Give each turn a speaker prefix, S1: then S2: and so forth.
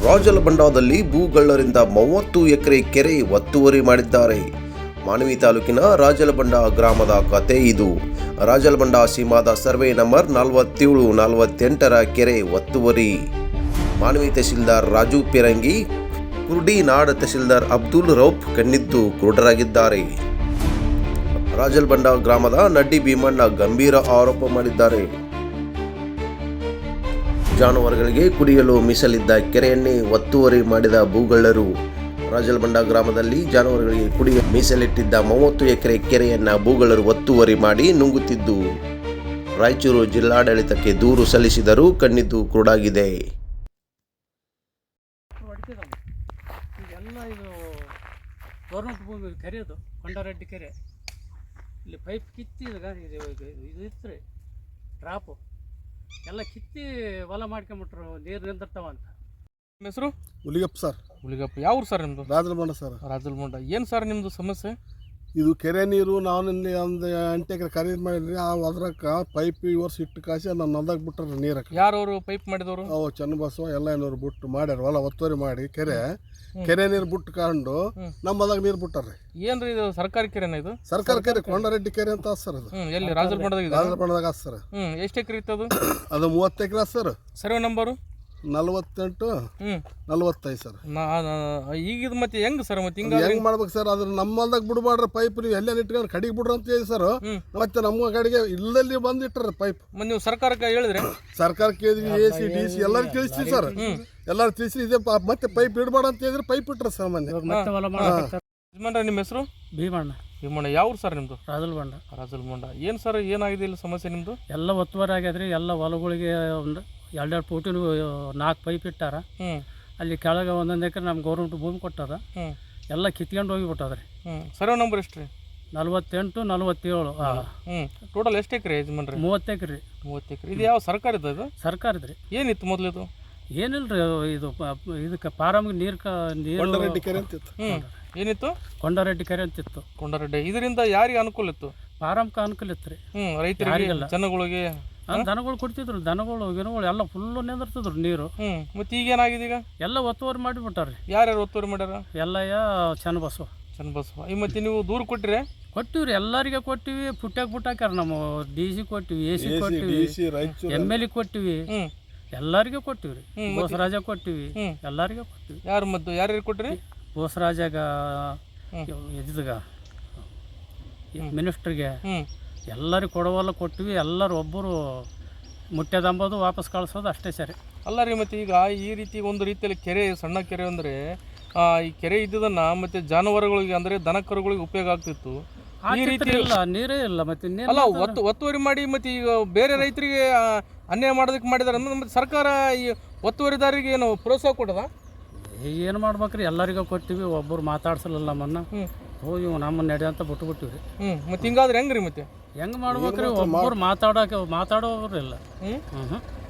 S1: ರಾಜಲಬಂಡದಲ್ಲಿ ಭೂಗಳ್ಳರಿಂದ 30 ಎಕರೆ ಕೆರೆ ಒತ್ತುವರಿ ಮಾಡಿದ್ದಾರೆ. ಮಾನ್ವಿ ತಾಲೂಕಿನ ರಾಜಲಬಂಡ ಗ್ರಾಮದ ಕತೆ ಇದು. ರಾಜಲಬಂಡ ಸೀಮಾದ ಸರ್ವೆ ನಂಬರ್ 47-48ರ ಕೆರೆ ಒತ್ತುವರಿ. ಮಾನ್ವಿ ತಹಶೀಲ್ದಾರ್ ರಾಜು ಪೆರಂಗಿ, ಕುರ್ಡಿನಾಡ್ ತಹಶೀಲ್ದಾರ್ ಅಬ್ದುಲ್ ರೌಫ್ ಕಣ್ಣಿದ್ದು ಕುರುಡರಾಗಿದ್ದಾರೆ. ರಾಜಲಬಂಡ ಗ್ರಾಮದ ನಡ್ಡಿ ಭೀಮಣ್ಣ ಗಂಭೀರ ಆರೋಪ ಮಾಡಿದ್ದಾರೆ. ಜಾನುವಾರುಗಳಿಗೆ ಕುಡಿಯಲು ಮೀಸಲಿದ್ದ ಕೆರೆಯನ್ನೇ ಒತ್ತುವರಿ ಮಾಡಿದ ಭೂಗಳ್ಳರು. ರಾಜಲಬಂಡ ಗ್ರಾಮದಲ್ಲಿ ಜಾನುವಾರುಗಳಿಗೆ ಕುಡಿಯಲು ಮೀಸಲಿಟ್ಟಿದ್ದ 30 ಎಕರೆ ಕೆರೆಯನ್ನ ಭೂಗಳ್ಳರು ಒತ್ತುವರಿ ಮಾಡಿ ನುಂಗುತ್ತಿದ್ದು, ರಾಯಚೂರು ಜಿಲ್ಲಾಡಳಿತಕ್ಕೆ ದೂರು ಸಲ್ಲಿಸಿದರೂ ಕಣ್ಣಿದ್ದು ಕುರುಡಾಗಿದೆ.
S2: ಇದೆಲ್ಲ ಇದು ಗೌರ್ಮೆಂಟ್ ಭೂಮಿ ಕೆರೆ, ಅದು ಕೊಂಡರೆಡ್ಡಿ ಕೆರೆ. ಇಲ್ಲಿ ಪೈಪ್ ಕಿತ್ತಿ ಇದು ಇತ್ತು ರೀ, ಡ್ರಾಪು ಎಲ್ಲ ಕಿತ್ತಿ ಹೊಲ ಮಾಡ್ಕೊಂಬಿಟ್ರು, ನೀರು ನಿಂದಿರ್ತಾವ ಅಂತ.
S3: ನಿಮ್ಮ ಹೆಸರು?
S4: ಹುಲಿಗಪ್ಪ ಸರ್.
S3: ಹುಲಿಗಪ್ಪ. ಯಾವ ಊರು ಸರ್ ನಿಮ್ಮದು?
S4: ರಾಜಲಬಂಡ ಸರ್.
S3: ರಾಜಲಬಂಡ. ಏನು ಸರ್ ನಿಮ್ಮದು ಸಮಸ್ಯೆ?
S4: ಇದು ಕೆರೆ ನೀರು ನಾನು ಇಲ್ಲಿ ಒಂದು 8 ಎಕರೆ ಖರೀದಿ ಮಾಡಿದ್ರಿ. ಅದ್ರಕ್ಕೆ ಪೈಪ್ ಈ ವರ್ಷ ಇಟ್ಟು ಕಾಸಿ ನಾನು ನಲ್ದಾಗ ಬಿಟ್ಟಾರ ನೀರಕ್ಕೆ.
S3: ಯಾರವರು ಪೈಪ್ ಮಾಡಿದವರು?
S4: ಅವು ಚನ್ನಬಸವ ಎಲ್ಲ ಏನೋರು ಬಿಟ್ಟು ಮಾಡ್ಯಾರ, ಹೊಲ ಒತ್ತುವರಿ ಮಾಡಿ ಕೆರೆ ನೀರು ಬಿಟ್ಟು ಕಂಡು ನಮ್ಮದಾಗ ನೀರು ಬಿಟ್ಟಾರ್ರಿ.
S3: ಏನ್ರಿ ಇದು ಸರ್ಕಾರಿ ಕೆರೆನ? ಇದು
S4: ಸರ್ಕಾರ ಕೆರೆ, ಕೊಂಡರೆಡ್ಡಿ ಕೆರೆ ಅಂತ ಸರ್. ಅದು
S3: ಎಲ್ಲಿ? ರಾಜಲಬಂಡದಾಗ?
S4: ರಾಜಲಬಂಡದಾಗ ಸರ್.
S3: ಎಷ್ಟು ಎಕರೆ ಇತ್ತು ಅದು?
S4: ಅದು 30 ಎಕರೆ ಸರ್.
S3: Survey number
S4: 48-45 sir.
S3: ಈಗ ಇದು ಮತ್ತೆ ಹೆಂಗ್ ಸರ್? ಮತ್ತೆ ಹೆಂಗ್
S4: ಮಾಡ್ಬೇಕು ಸರ್? ಅದ್ರ ನಮ್ಮಲ್ದಾಗ ಬಿಡ್ಬಾಡ್ರಿ ಪೈಪ್. ನೀವು ಎಲ್ಲೇ ಇಟ್ಕೊಂಡು ಕಡಿಗೆ ಬಿಡ್ರಿ ಅಂತ ಹೇಳಿ ಸರ್. ಮತ್ತೆ ನಮ್ಮ ಕಡೆಗೆ ಇಲ್ಲದಲ್ಲಿ ಬಂದಿಟ್ಟಾರ ಪೈಪ್.
S3: ನೀವು ಸರ್ಕಾರಕ್ಕೆ ಹೇಳಿದ್ರೆ?
S4: ಸರ್ಕಾರಕ್ಕೆ ಹೇಳಿದ್ವಿ, AC DC ಎಲ್ಲರೂ ತಿಳಿಸ್ತೀವಿ ಸರ್. ಎಲ್ಲರೂ ತಿಳಿಸಿ ಇದೆ ಮತ್ತೆ ಪೈಪ್ ಇಡಬೇಡ ಅಂತ ಹೇಳಿದ್ರೆ ಪೈಪ್ ಇಟ್ರ ಸರ್.
S3: ಯಜಮಾನ್ರೆ, ನಿಮ್ಮ ಹೆಸರು?
S2: ಭೀಮಣ್ಣ.
S3: ಭೀಮಣ್ಣ. ಯಾವ ಊರು ಸರ್ ನಿಮ್ಮದು?
S2: ರಾಜಲಬಂಡ.
S3: ರಾಜಲಬಂಡ. ಏನು ಸರ್, ಏನಾಗಿದೆ ಇಲ್ಲಿ ಸಮಸ್ಯೆ ನಿಮ್ಮದು?
S2: ಎಲ್ಲ ಒತ್ತುವರಿ ಆಗ್ಯದ್ರಿ. ಎಲ್ಲ ಹೊಲಗಳಿಗೆ ಒಂದು 2 ಫೂಟಿನ 4 ಪೈಪ್ ಇಟ್ಟಾರ. ಅಲ್ಲಿ ಕೆಳಗೆ 1 ಎಕರೆ ನಮ್ಮ ಗೌರ್ಮೆಂಟ್ ಭೂಮಿ ಕೊಟ್ಟದ. ಎಲ್ಲ ಕಿತ್ಕೊಂಡು ಹೋಗಿಬಿಟ್ಟದ್ರಿ.
S3: ಸರ್ವೆ ನಂಬರ್ ಎಷ್ಟು ರೀ?
S2: 48-47.
S3: ಟೋಟಲ್ ಎಷ್ಟು ಎಕರೆ ಯಜಮಾನ್ರಿ?
S2: 30 ಎಕರೆ.
S3: 30 ಎಕರೆ. ಇದು ಯಾವ ಸರ್ಕಾರದ? ಇದು
S2: ಸರ್ಕಾರದ್ರಿ.
S3: ಏನಿತ್ತು ಮೊದಲು ಇದು?
S2: ಏನಿಲ್ರಿ, ಇದು ಇದಕ್ಕೆ ಪಾರಮ್ಗೆ ನೀರು
S4: ಕೊಂಡರೆಡ್ಡಿ ಕೆರೆ ಅಂತಿತ್ತು.
S3: ಏನಿತ್ತು?
S2: ಕೊಂಡರೆಡ್ಡಿ ಕೆರೆ ಅಂತಿತ್ತು.
S3: ಕೊಂಡರೆಡ್ಡಿ. ಇದರಿಂದ ಯಾರಿಗೆ ಅನುಕೂಲ ಇತ್ತು?
S2: ಪಾರಮ್ಗೆ ಅನುಕೂಲ ಇತ್ತು ರೀ.
S3: ರೈತರಿಗೆ, ಜನಗಳಿಗೆ.
S2: ದನಗಳು ಕೊಡ್ತಿದ್ರು, ದನಗಳು ಗಿನಗಳು ಎಲ್ಲ ಫುಲ್ಲು ನಿಂದಿರ್ತಿದ್ರು ನೀರು.
S3: ಮತ್ತೆ ಈಗೇನಾಗಿದೆ? ಈಗ ಎಲ್ಲ
S2: ಒತ್ತುವರಿ ಮಾಡಿಬಿಟ್ಟಾರ್ರಿ.
S3: ಯಾರ್ಯಾರು ಒತ್ತುವರಿ ಮಾಡ್ಯಾರ?
S2: ಎಲ್ಲ ಚನ್ನಬಸವ.
S3: ಈ ಮತ್ತೆ ನೀವು ದೂರ ಕೊಟ್ಟಿರಿ?
S2: ಕೊಟ್ಟಿವ್ರಿ, ಎಲ್ಲರಿಗೆ ಕೊಟ್ಟಿವಿ. ಪುಟ್ಟಾಕ್ಯಾರ. ನಮ್ಮ DC ಕೊಟ್ಟಿವಿ, AC ಕೊಟ್ಟಿವಿ, MLA ಕೊಟ್ಟಿವಿ, ಎಲ್ಲರಿಗೆ ಕೊಟ್ಟಿವ್ರಿ. ಬೋಸರಾಜ ಕೊಟ್ಟಿವಿ, ಎಲ್ಲರಿಗೆ ಕೊಟ್ಟಿವಿ.
S3: ಯಾರು ಮತ್ತು ಯಾರ್ಯಾರು ಕೊಟ್ಟಿರಿ?
S2: ಬೋಸರಾಜಾಗ, ಇದ್ದಾಗ ಮಿನಿಸ್ಟ್ರಿಗೆ ಎಲ್ಲರಿಗೆ ಕೊಡುವಲ್ಲ ಕೊಟ್ಟಿವಿ. ಎಲ್ಲರೂ ಒಬ್ಬರು ಮುಟ್ಟ್ಯದಂಬೋದು ವಾಪಸ್ ಕಳಿಸೋದು ಅಷ್ಟೇ ಸರಿ.
S3: ಅಲ್ಲ ರೀ, ಮತ್ತು ಈಗ ಈ ರೀತಿ ಒಂದು ರೀತಿಯಲ್ಲಿ ಕೆರೆ, ಸಣ್ಣ ಕೆರೆ ಅಂದರೆ ಈ ಕೆರೆ ಇದ್ದದನ್ನ ಮತ್ತೆ ಜಾನುವಾರುಗಳಿಗೆ ಅಂದರೆ ದನ ಕರುಗಳಿಗೆ ಉಪಯೋಗ ಆಗ್ತಿತ್ತು. ಈ ರೀತಿ
S2: ಇಲ್ಲ, ನೀರೇ ಇಲ್ಲ. ಮತ್ತೆ
S3: ಅಲ್ಲ, ಒತ್ತುವರಿ ಮಾಡಿ ಮತ್ತೆ ಈಗ ಬೇರೆ ರೈತರಿಗೆ ಅನ್ಯಾಯ ಮಾಡೋದಕ್ಕೆ ಮಾಡಿದಾರೆ. ಮತ್ತೆ ಸರ್ಕಾರ ಈ ಒತ್ತುವರಿದಾರರಿಗೆ ಏನು ಪ್ರೋತ್ಸಾಹ ಕೊಡದ?
S2: ಏನು ಮಾಡ್ಬೇಕ್ರಿ? ಎಲ್ಲರಿಗೂ ಕೊಟ್ಟಿವಿ, ಒಬ್ಬರು ಮಾತಾಡ್ಸಲ್ಲ ನಮ್ಮನ್ನ. ಹೋಗಿ ನಮ್ಮನ್ನ ನಡೆ ಅಂತ ಬಿಟ್ಬಿಟ್ಟಿವ್ರಿ.
S3: ಮತ್ತೆ ಹಿಂಗಾದ್ರೆ ಹೆಂಗ್ರಿ? ಮತ್ತೆ
S2: ಹೆಂಗೆ ಮಾಡ್ಬೇಕ್ರಿ? ಒಬ್ಬರು ಮಾತಾಡೋರು ಇಲ್ಲ.